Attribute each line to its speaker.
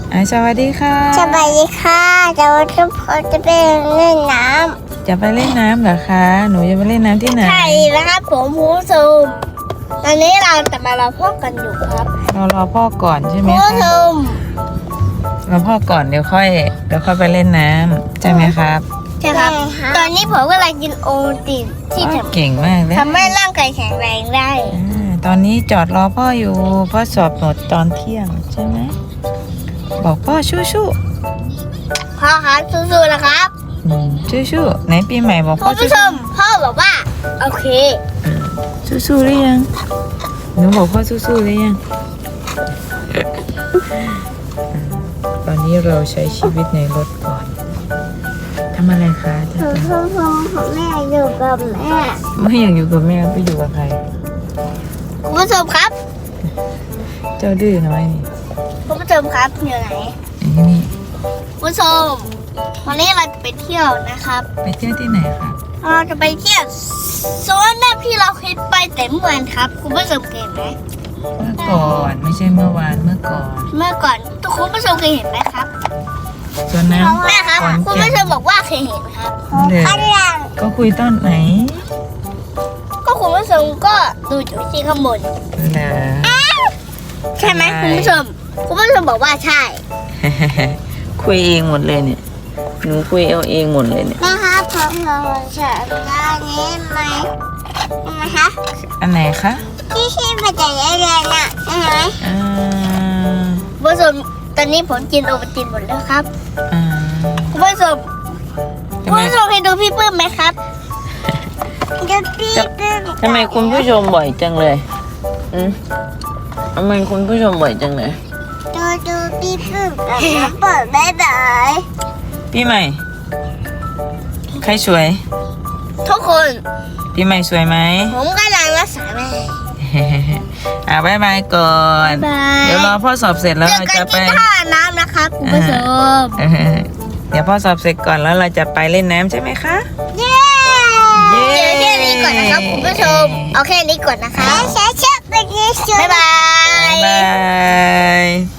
Speaker 1: สวัสดีค่ะ
Speaker 2: สวัสดีค่ะจะวันทุกคนจะไปเล่นน้ำ
Speaker 1: จะไปเล่นน้ำเหรอคะหนูจะไปเล่นน้ำที่ไหน
Speaker 2: ใช่นะครับผมผู้ชมตอนนี้เราจะมารอพ่อกันอยู่ครับ
Speaker 1: เรารอพ่อก่อนใช่ไหม
Speaker 2: ผู้ช
Speaker 1: คะ
Speaker 2: ม
Speaker 1: รอพ่อก่อนเดี๋ยวค่อยไปเล่นน้ำใช่ไหมครับ
Speaker 2: ใช่ครับตอนนี้ผมกำลังกินโอตินที่
Speaker 1: เก่งมากเลย
Speaker 2: ทำให้ร่างกายแข็งแรงได้
Speaker 1: ตอนนี้จอดรอพ่ออยู่พ่อสอบหมดตอนเที่ยงใช่ไหมบอกพ่อชู้
Speaker 2: พ่อครับสู้ๆนะครับ
Speaker 1: ชู้ไหนปีใหม่บอกพ่อ
Speaker 2: ผู้ชมพ่อบอกว่าโอเค
Speaker 1: สู้หรือยังหนูบอกพ่อสู้หรือยังตอนนี้เราใช้ชีวิตในรถก่อนทำอะไรคะ
Speaker 2: แม่อยู่กับแม่
Speaker 1: ไม่อยากอยู่กับแม่ไปอยู่กับใคร
Speaker 2: คุณผู้ชมครับ
Speaker 1: เจ้าดื้อน้อยนี่
Speaker 2: คุณผู้ชมครับอยู่ไหน
Speaker 1: นี่
Speaker 2: คุณผู้ชมวันนี้เราจะไปเที่ยวนะครับ
Speaker 1: ไปเที่ยวที่ไหนครับ
Speaker 2: เราจะไปเที่ยวโซนแบบที่เราเคยไปแต่เมื่อวานครับคุณผู้ชมเคยเห็นไหม
Speaker 1: เมื่อก่อนไม่ใช่เมื่อวานเมื่อก่อน
Speaker 2: ทุกคุณผู้ชมเคยเห็นไหมครับ
Speaker 1: ส่วนน้ำ
Speaker 2: แม่ครับคุณผู้ชมบอกว่าเคยเห็นครับ
Speaker 1: ก็คุยตอนไหน
Speaker 2: ก็คุณผู้ชมก็ดูอยู่ที่ข้างบนใช่ไหมคุณผู้ชมบอกว่าใช่
Speaker 1: คุยเองหมดเลยเนี่ยหนูคุยเอาเองหมดเลยเนี่ย
Speaker 2: แม่ครับผมเฉยด้านนี้ไหมคะ
Speaker 1: อันไหนคะ
Speaker 2: ที่มาจากเรียนน่ะใช่ไหมคุณผู้ชมตอนนี้ผมกินโอวัลตินหมดแล้วครับคุณผู้ชมเคยดูพี่ปื้มไหมครับ
Speaker 1: ทำไมคุณผู้ชมบ่อยจังเลยทำไมคุณผู้ชมบ่อยจังเลย
Speaker 2: ดูพี่ปื้มกับน้ำเปิดได้เลย
Speaker 1: พี่ใหม่ใครสวย
Speaker 2: ทุกคน
Speaker 1: พี่ใหม่สวยไหม
Speaker 2: ผมกำลังรักษาแม่
Speaker 1: บ๊ายบายก่อนเดี๋ยวรอพ่อสอบเสร็จแล้วเราจะไป
Speaker 2: ท่าน้ำนะครับคุณผู้ชม
Speaker 1: เดี๋ยวพ่อสอบเสร็จก่อนแล้วเราจะไปเล่นน้ำใช่ไหมคะ
Speaker 2: เย้แค่นี้ก่อนนะครับคุณผู้ชมเอาแค่นี้ก่อนนะคะบ๊ายบาย